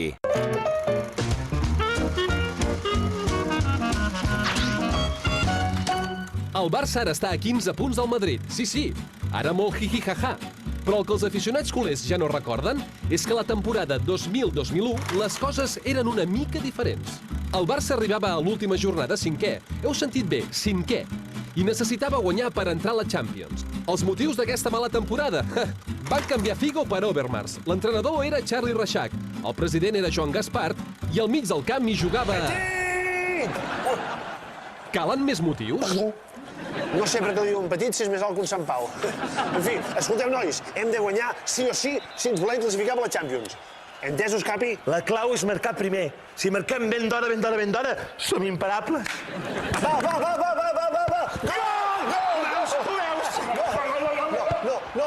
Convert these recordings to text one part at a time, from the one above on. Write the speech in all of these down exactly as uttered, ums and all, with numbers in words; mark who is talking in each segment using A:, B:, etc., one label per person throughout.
A: El Barça ara està a quinze punts del Madrid. Sí, sí, ara molt jiji-jaja. Però el que els aficionats culers ja no recorden és que la temporada dos mil dos mil u les coses eren una mica diferents. El Barça arribava a l'última jornada cinquè. Heu sentit bé, cinquè. I necessitava guanyar per entrar a la Champions. Els motius d'aquesta mala temporada? Van canviar Figo per Overmars. L'entrenador era Charlie Reixac, el president era Joan Gaspart i al mig del camp hi jugava... Calen més motius?
B: No sé per què diuen petit si és més alt que un Sant Pau. En fi, escolteu, nois, hem de guanyar sí o sí si ens volem classificar per la Champions. Entesos, Capi?
C: La clau és marcar primer. Si marquem ben d'hora, ben d'hora, ben d'hora, som imparables.
B: Va, va, va, va, va, va, va, va! Gol! Gol! Ho veus? No, no, no!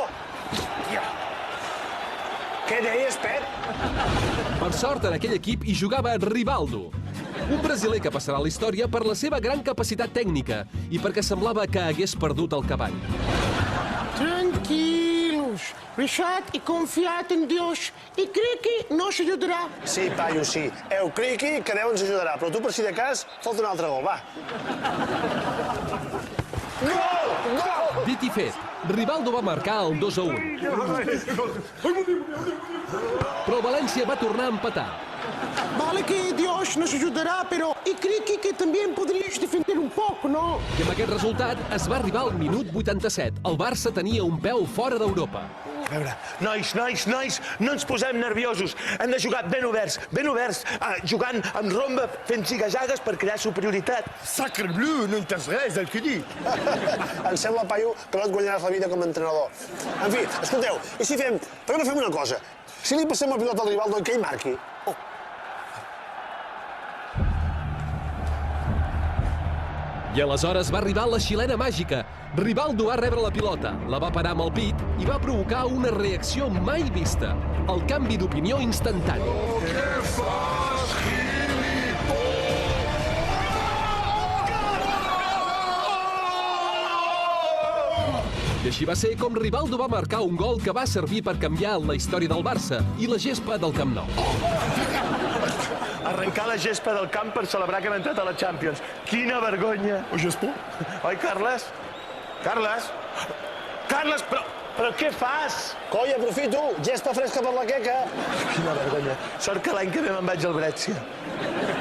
B: Què deies, Pep?
A: Per sort, en aquell equip hi jugava Rivaldo, un brasiler que passarà a la història per la seva gran capacitat tècnica i perquè semblava que hagués perdut el cavall.
D: Tranquilos, Reixac, he confiat en Dios i crec que nos ajudarà.
B: Sí, paio, sí. Eu crec que Déu ens ajudarà, però tu, per si de cas, falta un altre gol, va. Gol! Gol!
A: Dit i fet, Rivaldo va marcar el dos a un. Però el València va tornar a empatar.
D: Vale que Dios nos ajudarà, però i crec que també podries defender un poc, no?
A: I amb aquest resultat es va arribar al minut vuitanta-set. El Barça tenia un peu fora d'Europa.
C: A veure, nois, nois, nois, no ens posem nerviosos. Hem de jugar ben oberts, ben oberts, eh, jugant amb romba, fent zigazagues per crear superioritat.
E: Sacre bleu, no entens res del que dic.
B: Em sembla, paio, que no et guanyaràs la vida com a entrenador. En fi, escolteu, i si fem... Per què no fem una cosa? Si li passem el pilot al Rivaldo i que ell marqui...
A: I aleshores va arribar la xilena màgica. Rivaldo va rebre la pilota, la va parar amb el pit i va provocar una reacció mai vista. El canvi d'opinió instantani.
E: Què fas,
A: I així va ser com Rivaldo va marcar un gol que va servir per canviar la història del Barça i la gespa del Camp Nou.
C: Arrencar la gespa del camp per celebrar que hem entrat a la Champions. Quina vergonya.
E: O gespa?
C: Oi, Carles? Carles? Carles, però, però què fas?
B: Coi, aprofito, gespa fresca per la queca.
C: Quina vergonya. Sort que l'any que ve me'n vaig al Brescia.